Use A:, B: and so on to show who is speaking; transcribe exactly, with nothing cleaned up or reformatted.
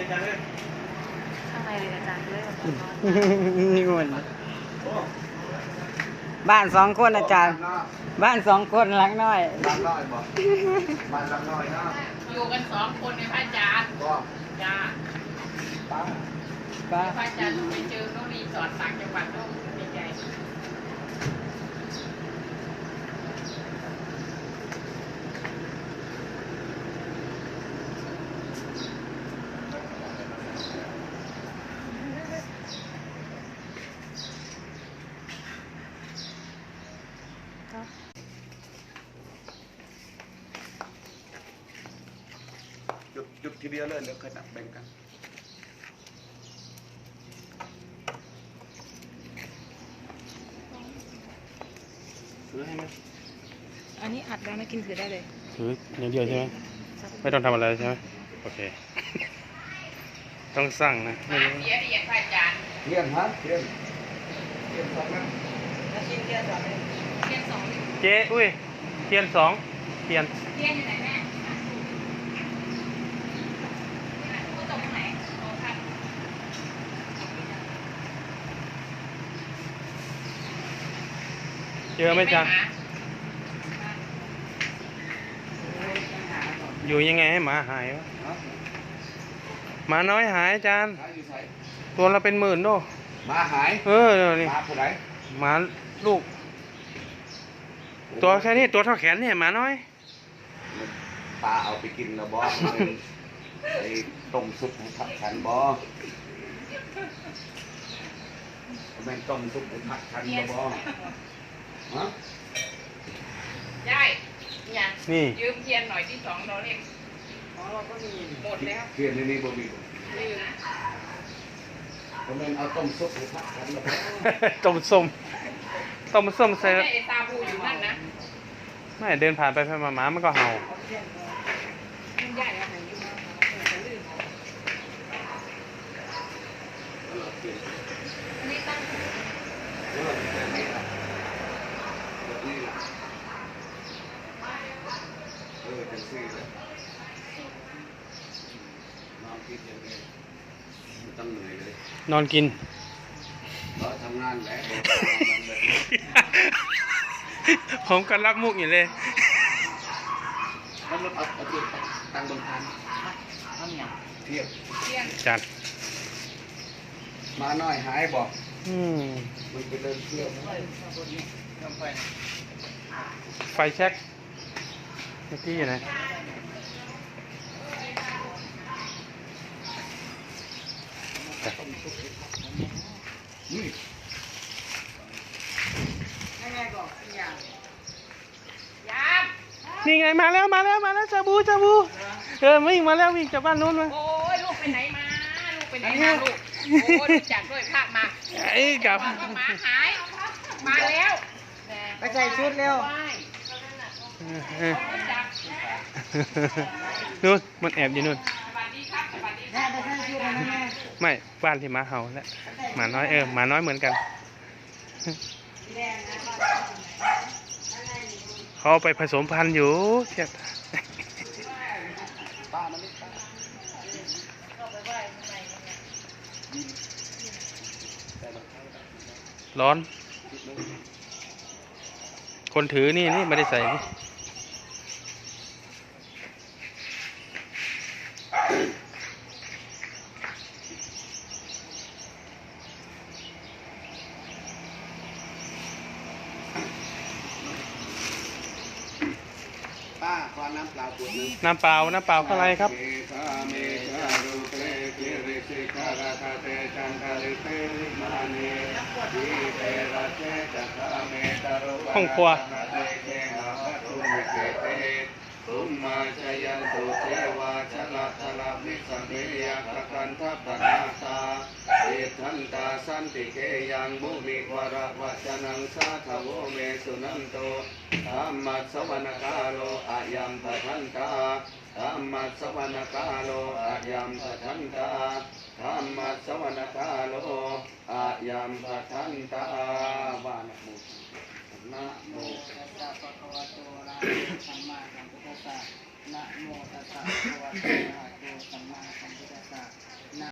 A: อาจารย์เลย
B: ข้างในเลยอาจารย์ด้วยแบบ
C: นี่คนบ้านสองคนอาจารย์บ้านสองคนหลังน้อย
A: บ้านน้อยบอกบ้านหลังน้อยนะ
D: อยู่กันสองคนในพระอาจารย์
A: ก็
D: จ้า
A: ป้า
C: ป้า
D: พระอาจารย์ไปเจอโน่นรีสอร์ทต่างจังหวัดโน่นดีใจ
A: หยุดหยุดทีเดียวเลยเดี๋ยวค่อยนับแบ่งกันซื้อให้ไหม
B: อันนี้อัดแล้วนะกินถือได้เลย
C: ถืออย่างเดียวใช่ไหมไม่ต้องทำอะไรใช่ไหมโอเคต้องสั่งนะ
D: มาเสียเรียนพระอาจารย์
A: เทียนฮะเทียนเทียนสองนะ
D: เทียนสองเทียนสอง
C: เจ๊อุ้ยเทียนสองเทียน
D: เทียนอยู่ไหนแม่ผู้ตรงไหนโอ้ค่ะ
C: เจอไหมจ๊ะอยู่ยังไงให้หมาหายวะหมาน้อยหายอาจารย์ตัวละเป็นหมื่นโน่
A: หมาหาย
C: เออนี่
A: หมาผู้ใด
C: หมาลูกตัวแค่นี้ตัวเท่าแขนเนี่ยหมาน้อย
A: ปลาเอาไปกินแล้วบอไอ้ต้มซุปให้ผักฉันบอแม่งต้มซุปให้ผักฉันบอฮะ
D: ยายนี่ยืมเทียนหน่อยที่สองเราเรียก
B: อ๋อเราก็มี
D: หมดแล้ว
A: เทียนในนี้บ่มีผมเองเอาต้มซุปให้ผักฉันแล้ว
C: ต้มส้มต้มส้มใส่
D: ไอ้ตาบูอยู่นั่นนะ
C: ไม่เดินผ่านไปผ่านมาหมามันก็เห่า
D: ใหญ่อะไหนยืมมาลื่นนี่ตั้ง
A: เออจังซี่เลยนอนกินอย่างนี้ไม่ต้องเหนื่อยเลย
C: นอนกิน
A: เราทำงานแหละ
C: ผมก็รักมุกอยู่เลย
A: แล้วรถเอาเอาตัวตั้งบนทาง
D: เอาเนี่ย
A: เทียบ
C: จัด
A: มาหน่อยหายบอก
C: อืม
A: มันไปเดินเที่ยว
C: ไฟแช็กเมื่อกี้อยู่ไหน
A: นี่
C: นี่ไงมาแล้วมาแล้วมาแล้วจาบูจาบูเออวิ่งมาแล้ววิ่งจากบ้านนู้นมา
D: โอ้ยลูกไปไหนมาลูกไปไหนมาลูกโอ้ยรู้จักด้วยภาพมา
C: ไอ้กับ
D: หมาหายมาแล้ว
B: ไปใส่ชุดเร็ว
C: นู่นมันแอบอยู่นู่นไม่บ้านที่หมาเห่าแล้วหมาน้อยเออหมาน้อยเหมือนกันเขาไปผสมพันธุ์อยู่เทียบร้อนคนถือนี่นี่ไม่ได้ใส่นี่
A: ป้าขอน้ำเปล่าขวดนึง
C: น้ำเปล่าน้ำเปล่าเท่าไรครับห้องครัวตุมมาชยันตุเทวาชนะชนะมิสัมเบียกกันทัพพนาตาเอทันตาสันติเกยังบุมิวระวัจนังสาทโวเมสุนันโตธรรมัสสวนกาโลอายัมปะทันตาธรรมัสสวนกาโลอายัมปะทันตาธรรมัสสวนกาโลอายัมปะทันตาวานะโมนะโมตัสสะภะคะวะโตอะระหะโตสัมมาสัมพุทธัสสะนะโมตัสสะภะคะวะโตอะระหะโตสัมมาสัมพุทธัสสะ